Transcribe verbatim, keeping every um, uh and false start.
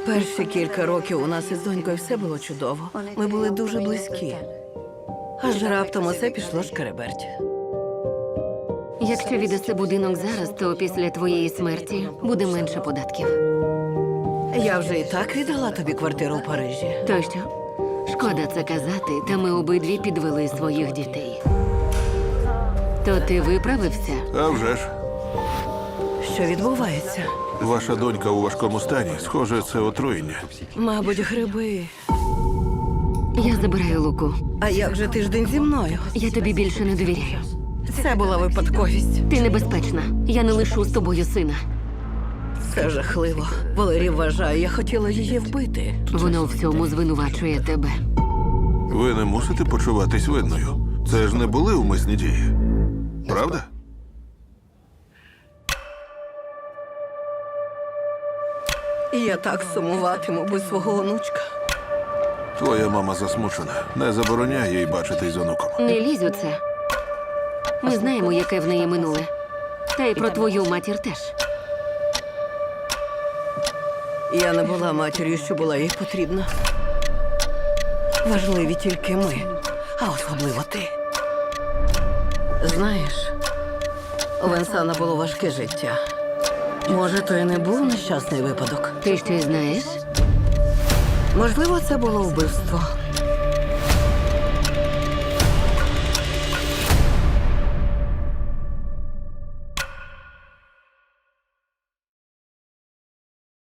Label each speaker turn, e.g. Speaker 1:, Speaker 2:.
Speaker 1: Перші кілька років у нас із донькою все було чудово. Ми були дуже близькі. Аж раптом усе пішло шкереберть.
Speaker 2: Якщо віддаси будинок зараз, то після твоєї смерті буде менше податків.
Speaker 1: Я вже і так віддала тобі квартиру в Парижі.
Speaker 2: То що? Шкода це казати, та ми обидві підвели своїх дітей. То ти виправився?
Speaker 3: А вже ж.
Speaker 1: Що відбувається?
Speaker 3: Ваша донька у важкому стані. Схоже, це отруєння.
Speaker 1: Мабуть, гриби.
Speaker 2: Я забираю Луку.
Speaker 1: А як же тиждень зі мною?
Speaker 2: Я тобі більше не довіряю.
Speaker 1: Це була випадковість.
Speaker 2: Ти небезпечна. Я не лишу з тобою сина.
Speaker 1: Це жахливо. Валерій вважає, я хотіла її вбити.
Speaker 2: Воно у всьому звинувачує тебе.
Speaker 3: Ви не мусите почуватись винною. Це ж не були умисні дії. Правда?
Speaker 1: І я так сумуватиму без свого онучка.
Speaker 3: Твоя мама засмучена. Не забороняй їй бачитись з онуком.
Speaker 2: Не лізь у це. Ми знаємо, яке в неї минуле. Та й про твою матір теж.
Speaker 1: Я не була матір'ю, що була їй потрібна. Важливі тільки ми, а особливо ти. Знаєш, у Венсана було важке життя. Може, то і не був нещасний випадок.
Speaker 2: Ти щось знаєш?
Speaker 1: Можливо, це було вбивство.